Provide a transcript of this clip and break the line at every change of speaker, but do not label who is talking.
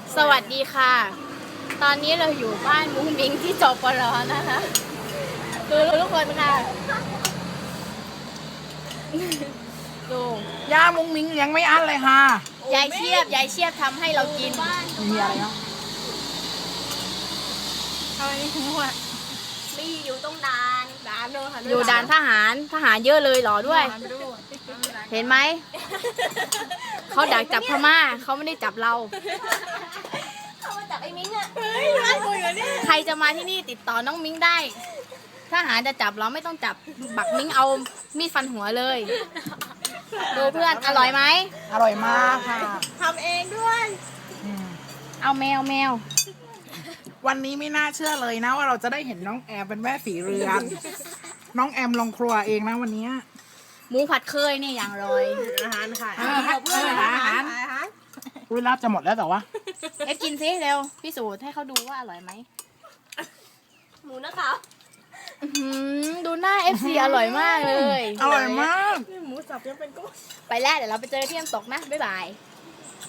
สวัสดีค่ะ ตอนนี้เราอยู่บ้านมุ้งมิ้งที่จปรนะคะ ดูทุกคนค่ะ ดู
ย่ามุ้งมิ้งยังไม่อั้นเลยค่ะ
ยายเชียบทำให้เรากิน
มีอะไรเนาะ
เอาอันนี้ทั้งหมด
มีอยู่ตรงด่านเลยค่ะ
อยู่ด่านทหารเยอะเลยหรอด้วย เห็นไหม เขาดักจับพม่าเขาไม่ได้จับเรา
เขามาจับไอ้มิ้งอ่ะ
ใครจะมาที่นี่ติดต่อน้องมิ้งได้ ทหารจะจับเราไม่ต้องจับบักมิ้งเอามีดฟันหัวเลย ดูเพื่อนอร่อยไหม
อร่อยมากค่ะ
ทำเองด้วย
อืม
เอาแมว
วันนี้ไม่น่าเชื่อเลยนะว่าเราจะได้เห็นน้องแอมเป็นแม่ฝีเรือน น้องแอมลงครัวเองนะวันนี้
หมูผัดเคยเนี่ยอย่างอร่อย
อาหารค่ะ
อาหารอุ้ยลาบจะหมดแล้วแต่ว่า
เอ็ดกินซิเร็วพิสูจน์ให้เขาดูว่าอร่อยไหม
หมูนะคะ
อื้อหือดูหน้า FC อร่อยมากเลย
อร่อยมาก
หมูสับยังเป็นก้อน
ไปแล้วเดี๋ยวเราไปเจอที่น้ำตกนะ บ๊ายบาย